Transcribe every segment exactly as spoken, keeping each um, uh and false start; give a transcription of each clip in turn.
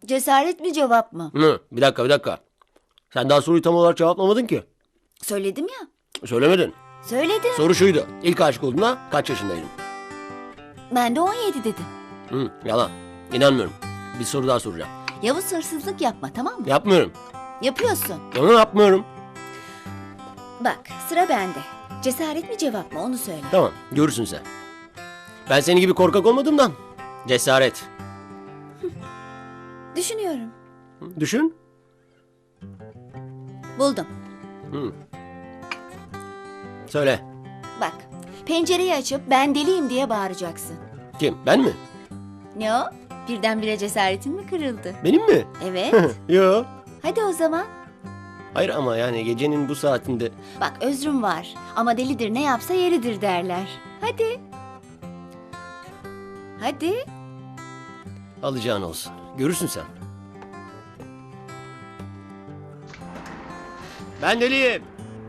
Cesaret mi cevap mı? Hı, bir dakika bir dakika. Sen daha soruyu tam olarak cevaplamadın ki. Söyledim ya. Söylemedin. Söyledim. Soru şuydu. İlk aşık olduğunda kaç yaşındaydım? Ben de on yedi dedim. Hı, yalan. İnanmıyorum. Bir soru daha soracağım. Yavuz hırsızlık yapma, tamam mı? Yapmıyorum. Yapıyorsun. Onu yapmıyorum. Bak, sıra bende. Cesaret mi cevap mı onu söyle. Tamam, görürsün sen. Ben senin gibi korkak olmadığımdan. Cesaret. Düşünüyorum. Düşün. Buldum. Hı. Söyle. Bak, pencereyi açıp ben deliyim diye bağıracaksın. Kim? Ben mi? Ne o? Birdenbire cesaretin mi kırıldı? Benim mi? Evet. Yo. Hadi o zaman. Hayır ama yani gecenin bu saatinde... Bak, özrüm var ama delidir ne yapsa yeridir derler. Hadi. Hadi. Alacağın olsun. Görürsün sen. Ben deliyim.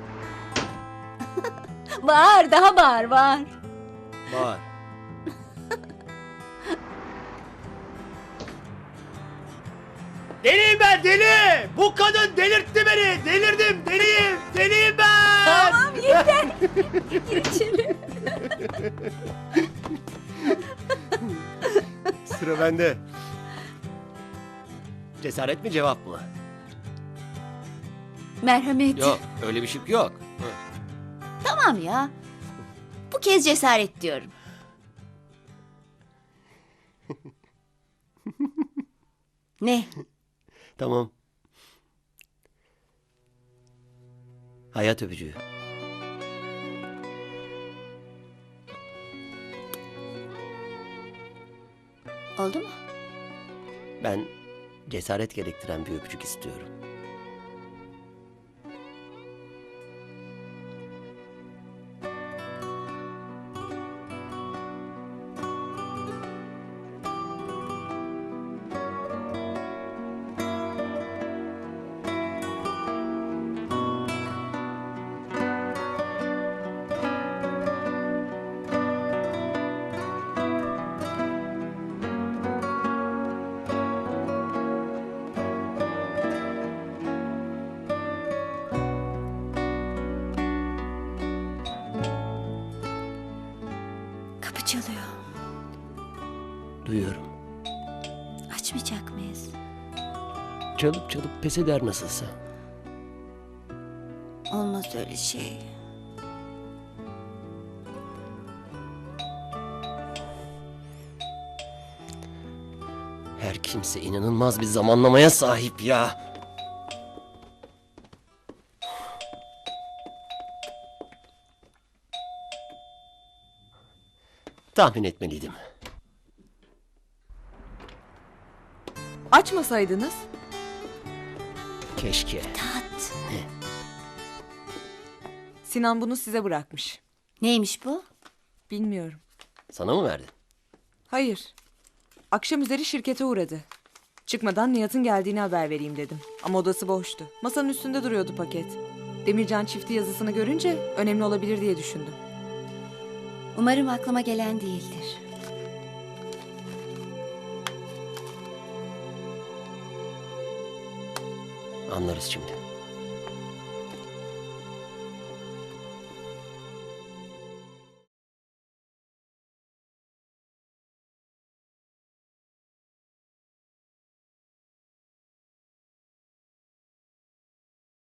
Bağır, daha bağır, bağır. Bağır. Deliyim ben, deli! Bu kadın delirtti beni! Delirdim, deliyim! Deliyim ben! Tamam, yeter. Gir içeri. Sıra bende. Cesaret mi cevap mı? Merhamet. Yok, öyle bir şık yok. Hı. Tamam ya. Bu kez cesaret diyorum. Ne? Tamam. Hayat öpücüğü. Oldu mu? Ben cesaret gerektiren bir öpücük istiyorum. Kapı çalıyor. Duyuyorum. Açmayacak mıyız? Çalıp çalıp pes eder nasılsa. Olmaz öyle şey. Her kimse inanılmaz bir zamanlamaya sahip ya. Tahmin etmeliydim. Açmasaydınız. Keşke. Tat. Sinan bunu size bırakmış. Neymiş bu? Bilmiyorum. Sana mı verdi? Hayır. Akşam üzeri şirkete uğradı. Çıkmadan Nihat'ın geldiğini haber vereyim dedim. Ama odası boştu. Masanın üstünde duruyordu paket. Demircan çifti yazısını görünce önemli olabilir diye düşündüm. Umarım aklıma gelen değildir. Anlarız şimdi.